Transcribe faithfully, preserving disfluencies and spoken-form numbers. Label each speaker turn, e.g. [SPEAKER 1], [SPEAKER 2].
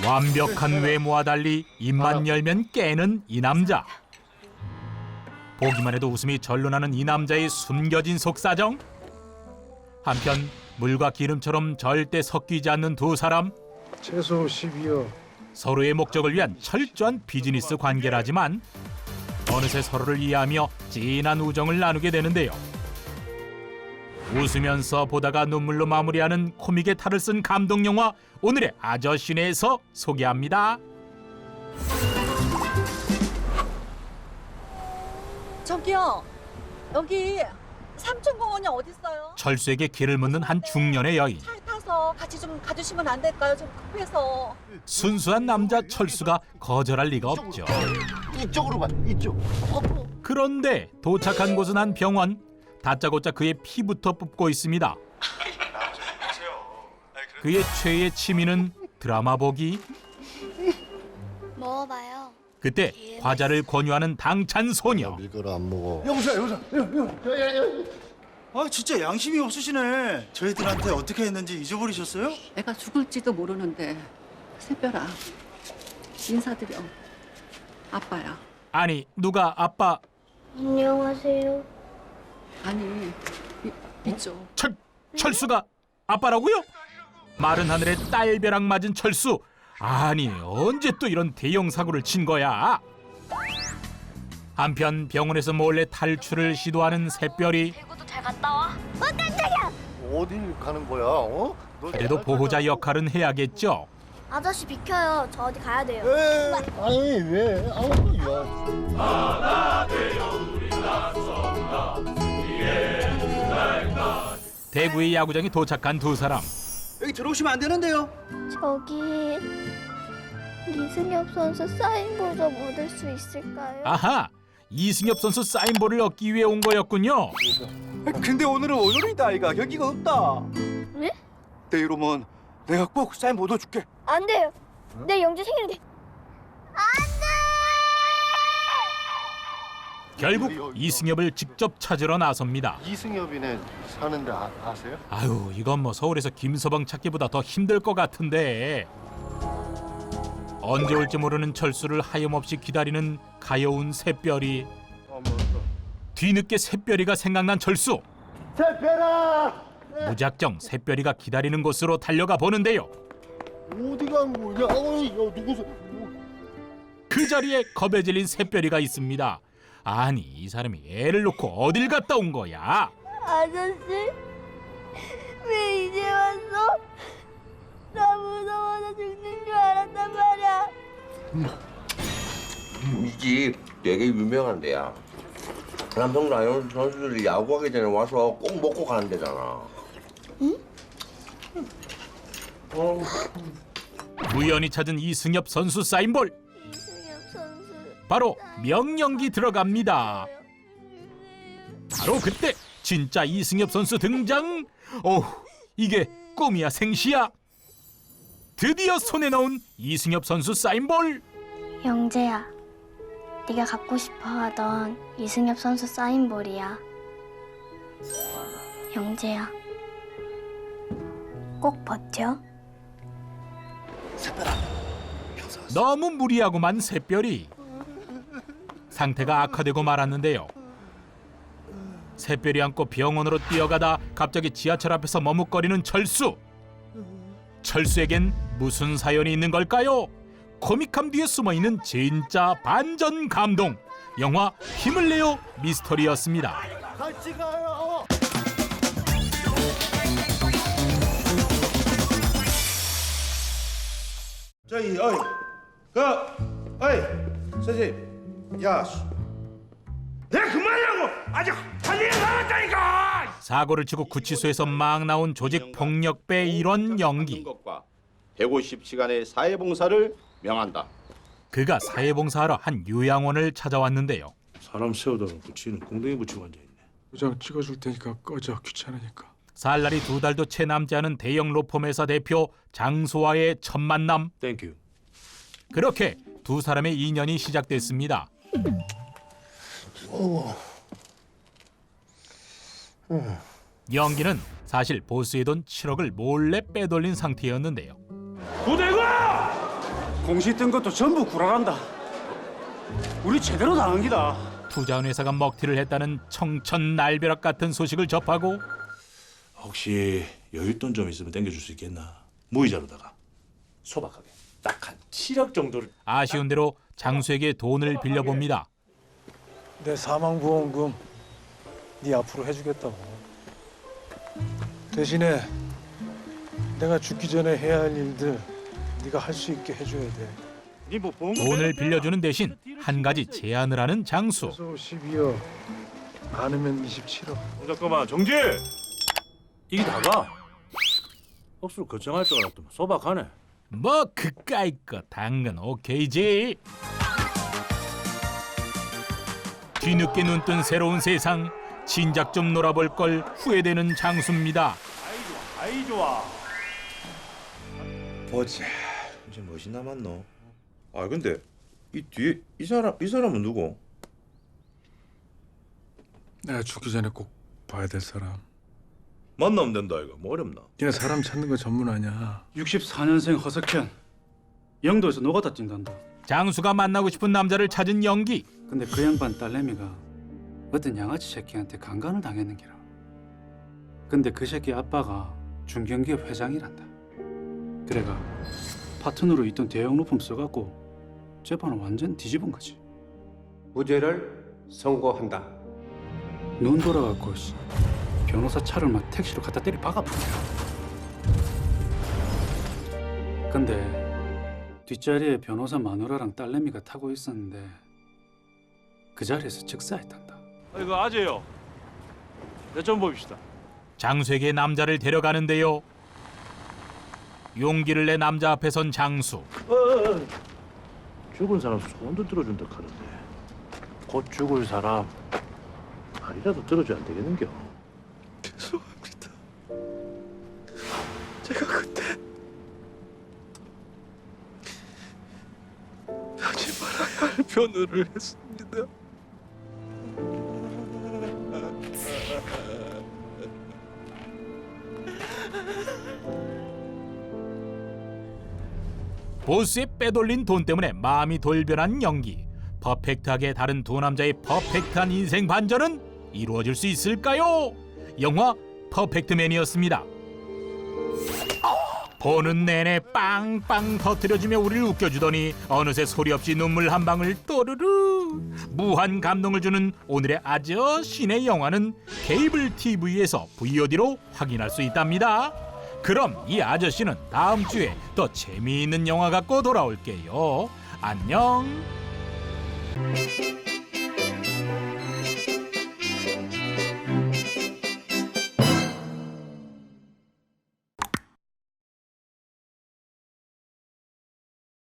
[SPEAKER 1] 완벽한 외모와 달리 입만 열면 깨는 이 남자. 보기만 해도 웃음이 절로 나는 이 남자의 숨겨진 속사정. 한편 물과 기름처럼 절대 섞이지 않는 두 사람.
[SPEAKER 2] 최소 십이요.
[SPEAKER 1] 서로의 목적을 위한 철저한 비즈니스 관계라지만 어느새 서로를 이해하며 진한 우정을 나누게 되는데요. 웃으면서 보다가 눈물로 마무리하는 코믹의 탈을 쓴 감동 영화 오늘의 아저씨네에서 소개합니다.
[SPEAKER 3] 저기요, 여기 삼촌공원이 어딨어요?
[SPEAKER 1] 철수에게 길을 묻는 한 중년의 여인.
[SPEAKER 3] 차에 타서 같이 좀 가주시면 안 될까요? 좀 급해서.
[SPEAKER 1] 순수한 남자 철수가 거절할 리가 없죠.
[SPEAKER 2] 이쪽으로 가. 이쪽.
[SPEAKER 1] 그런데 도착한 곳은 한 병원. 다짜고짜 그의 피부터 뽑고 있습니다. 그의 최애 취미는 드라마 보기.
[SPEAKER 4] 먹어봐요.
[SPEAKER 1] 그때 과자를 권유하는 당찬 소녀.
[SPEAKER 2] 밀가루 안 먹어.
[SPEAKER 5] 여보세요, 여보세요. 아, 진짜 양심이 없으시네. 저희들한테 어떻게 했는지 잊어버리셨어요?
[SPEAKER 6] 내가 죽을지도 모르는데 새별아 인사드려. 아빠야.
[SPEAKER 1] 아니 누가 아빠
[SPEAKER 4] 안녕하세요.
[SPEAKER 6] 아니 이, 이쪽.
[SPEAKER 1] 철, 철수가 아빠라고요? 마른 하늘에 딸벼락 맞은 철수. 아니 언제 또 이런 대형 사고를 친 거야? 한편 병원에서 몰래 탈출을 시도하는 새별이.
[SPEAKER 4] 대구도 잘 갔다 와. 어 깜짝이야.
[SPEAKER 2] 어딜 가는 거야? 어? 너
[SPEAKER 1] 그래도 보호자 역할은 해야겠죠.
[SPEAKER 4] 아저씨 비켜요. 저 어디 가야 돼요.
[SPEAKER 2] 왜? 아니 왜? 아우 야.
[SPEAKER 1] 대구의 야구장에 도착한 두 사람.
[SPEAKER 5] 여기 들어오시면 안 되는데요.
[SPEAKER 4] 저기 이승엽 선수 사인볼 좀 얻을 수 있을까요?
[SPEAKER 1] 아하, 이승엽 선수 사인볼을 얻기 위해 온 거였군요.
[SPEAKER 5] 근데 오늘은 오늘이다, 아이가. 여기가 없다.
[SPEAKER 4] 네?
[SPEAKER 5] 내 이러면 내가 꼭 사인 못 얻어줄게.
[SPEAKER 4] 안 돼요. 내 영재 생일인데.
[SPEAKER 1] 결국 이승엽을 직접 찾으러 나섭니다.
[SPEAKER 2] 이승엽이네 사는데 아, 아세요?
[SPEAKER 1] 아유, 이건 뭐 서울에서 김서방 찾기보다 더 힘들 것 같은데. 언제 올지 모르는 철수를 하염없이 기다리는 가여운 새별이. 뒤늦게 새별이가 생각난 철수.
[SPEAKER 2] 새별아!
[SPEAKER 1] 무작정 새별이가 기다리는 곳으로 달려가 보는데요.
[SPEAKER 2] 어디 간 거냐? 어, 야, 누구서?
[SPEAKER 1] 그 자리에 겁에 질린 새별이가 있습니다. 아니 이 사람이 애를 놓고 어딜 갔다 온 거야?
[SPEAKER 4] 아저씨 왜 이제 왔어? 나 무서워서 죽는 줄 알았단 말이야.
[SPEAKER 7] 이 집 되게 유명한 데야. 남성 라이온 선수들이 야구하기 전에 와서 꼭 먹고 가는 데잖아. 응? 어.
[SPEAKER 1] 우연히 찾은 이승엽 선수 사인볼.
[SPEAKER 4] 이승엽 선수.
[SPEAKER 1] 바로 명령기 들어갑니다. 바로 그때 진짜 이승엽 선수 등장. 오, 이게 꿈이야 생시야. 드디어 손에 넣은 이승엽 선수 사인볼.
[SPEAKER 4] 영재야, 네가 갖고 싶어하던 이승엽 선수 사인볼이야. 영재야, 꼭 버텨.
[SPEAKER 1] 너무 무리하고만 새별이. 상태가 악화되고 말았는데요. 새별이 안고 병원으로 뛰어가다 갑자기 지하철 앞에서 머뭇거리는 철수. 철수에겐 무슨 사연이 있는 걸까요? 코믹함 뒤에 숨어있는 진짜 반전 감동. 영화 힘을 내요 미스터리였습니다.
[SPEAKER 2] 같이 가요.
[SPEAKER 5] 저기, 어이, 그, 어이, 선생님, 야, 내가 그만하라고 아직 할 일이 남았다니까.
[SPEAKER 1] 사고를 치고 구치소에서 막 나온 조직 폭력배 일원 연기.
[SPEAKER 8] 것과 백오십 시간의 사회봉사를 명한다.
[SPEAKER 1] 그가 사회봉사하러 한 요양원을 찾아왔는데요.
[SPEAKER 9] 사람 세우다가 붙이는 공동에 붙이고 앉아있네.
[SPEAKER 2] 도장 찍어줄 테니까 꺼져. 귀찮으니까.
[SPEAKER 1] 살 날이 두 달도 채 남지 않은 대형 로펌회사 대표 장소와의 첫 만남.
[SPEAKER 9] 땡큐.
[SPEAKER 1] 그렇게 두 사람의 인연이 시작됐습니다. 연기는 사실 보스의 돈 칠억을 몰래 빼돌린 상태였는데요.
[SPEAKER 5] 부대가
[SPEAKER 2] 공시 뜬 것도 전부 구라란다. 우리 제대로 당한 기다.
[SPEAKER 1] 투자한 회사가 먹튀를 했다는 청천날벼락 같은 소식을 접하고
[SPEAKER 9] 혹시 여윳돈 좀 있으면 땡겨줄 수 있겠나? 무이자로다가 소박하게 딱 한 칠억 정도를.
[SPEAKER 1] 아쉬운 대로 장수에게 돈을 빌려봅니다.
[SPEAKER 2] 내 사망보험금 네 앞으로 해주겠다고. 대신에 내가 죽기 전에 해야 할 일들 네가 할 수 있게 해줘야 돼.
[SPEAKER 9] 니뭐 보험
[SPEAKER 1] 돈을 빌려주는 대신 한 가지 제안을 하는 장수.
[SPEAKER 2] 최소 십이억, 많으면 이십칠억.
[SPEAKER 9] 잠깐만 정지. 이게 다가 억수로 걱정할 줄 알았더만 소박하네.
[SPEAKER 1] 뭐 그까이 거 당근 오케이지. 뒤늦게 눈뜬 새로운 세상. 진작 좀 놀아볼 걸 후회되는 장수입니다.
[SPEAKER 9] 아이 좋아.
[SPEAKER 7] 보자. 이제 무엇이 남았노? 아 근데 이 뒤에 이 사람 이 사람은 누구?
[SPEAKER 2] 내가 죽기 전에 꼭 봐야 될 사람.
[SPEAKER 9] 만나면 된다 이거. 뭐 어렵나?
[SPEAKER 2] 네가 사람 찾는 거 전문 아니야.
[SPEAKER 10] 육십사 년생 허석현. 영도에서 노가다 뛴단다.
[SPEAKER 1] 장수가 만나고 싶은 남자를 찾은 연기.
[SPEAKER 10] 근데 그 양반 딸내미가 어떤 양아치 새끼한테 강간을 당했는 기라. 근데 그 새끼 아빠가 중견기업 회장이란다. 그래가 파트너로 있던 대형 로펌 써갖고 재판을 완전 뒤집은 거지.
[SPEAKER 11] 무죄를 선고한다.
[SPEAKER 10] 눈 돌아갖고 씨, 변호사 차를 막 택시로 갖다 때리 박아버려. 근데 뒷자리에 변호사 마누라랑 딸내미가 타고 있었는데 그 자리에서 즉사했단다.
[SPEAKER 9] 이거 아재요. 내 좀 봅시다.
[SPEAKER 1] 장수에게 남자를 데려가는데요. 용기를 내 남자 앞에 선 장수.
[SPEAKER 9] 어, 어, 어. 죽은 사람 소원도 들어준다 하는데 곧 죽을 사람 말이라도 들어줘야 안 되겠는겨?
[SPEAKER 2] 죄송합니다. 제가 그때 하지 말아야 할 변호를 했습니다.
[SPEAKER 1] 보스의 빼돌린 돈 때문에 마음이 돌변한 연기. 퍼펙트하게 다른 두 남자의 퍼펙트한 인생 반전은 이루어질 수 있을까요? 영화 퍼펙트맨이었습니다. 보는 내내 빵빵 터뜨려주며 우리를 웃겨주더니 어느새 소리 없이 눈물 한 방울 또르르. 무한 감동을 주는 오늘의 아저씨네 영화는 케이블 티비에서 브이오디로 확인할 수 있답니다. 그럼 이 아저씨는 다음 주에 더 재미있는 영화 갖고 돌아올게요. 안녕.